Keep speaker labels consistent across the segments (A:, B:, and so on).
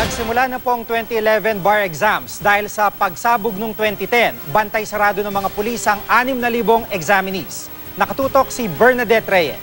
A: Nagsimula na po ang 2011 bar exams dahil sa pagsabog noong 2010, bantay sarado ng mga pulis ang 6,000 examinees. Nakatutok si Bernadette Reyes.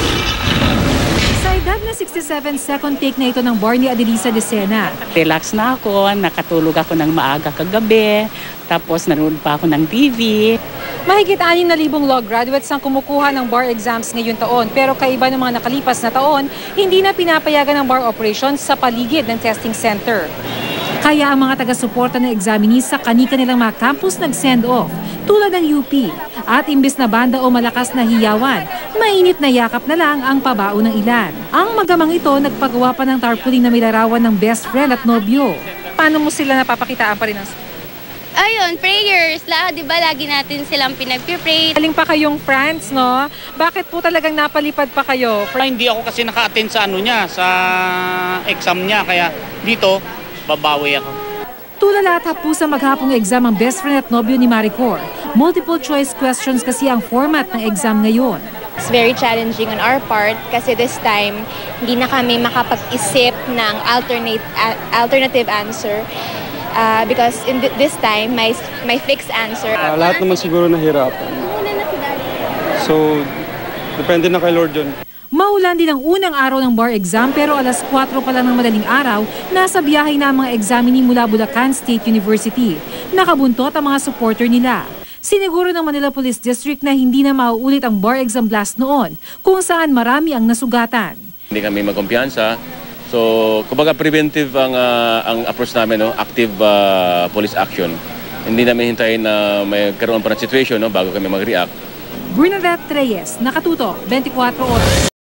B: Sa edad na 67, second take na ito ng bar ni Adelisa Decena.
C: Relax na ako, nakatulog ako ng maaga kagabi, tapos nanood pa ako ng TV.
B: Mahigit 6,000 law graduates ang kumukuha ng bar exams ngayon taon, pero kaiba ng mga nakalipas na taon, hindi na pinapayagan ng bar operations sa paligid ng testing center. Kaya ang mga taga-suporta ng examinees sa kani-kanilang mga campus nag-send off, tulad ng UP. At imbis na banda o malakas na hiyawan, mainit na yakap na lang ang pabao ng ilan. Ang magamang ito nagpagawa pa ng tarpaulin na may larawan ng best friend at nobyo. Paano mo sila napapakitaan pa rin ng...
D: Ayun, prayers. Di ba lagi natin silang pinag-pray.
B: Galing pa kayong France, no? Bakit po talagang napalipad pa kayo?
E: Hindi ako kasi naka-attend sa sa exam niya, kaya dito babawi ako.
B: Tulala at hapusang maghapong exam ang best friend at nobyo ni Maricor. Multiple choice questions kasi ang format ng exam ngayon.
D: It's very challenging on our part kasi this time hindi na kami makapag-isip ng alternative answer. Because in this time, my fixed answer.
F: Lahat naman siguro nahirapan. So, depende na kay Lord yun.
B: Maulan din ang unang araw ng bar exam pero alas 4 pa lang ng madaling araw, nasa biyahe na ang mga examinee mula Bulacan State University. Nakabuntot ang mga supporter nila. Siniguro ng Manila Police District na hindi na mauulit ang bar exam blast noon, kung saan marami ang nasugatan.
G: Hindi kami magkumpiyansa. So, kumbaga preventive ang approach namin, no? Active police action. Hindi namin hintayin na may karoon pa ng situation, no? Bago kami mag-react.
B: Bernadette Reyes, Nakatutok, 24 Oras.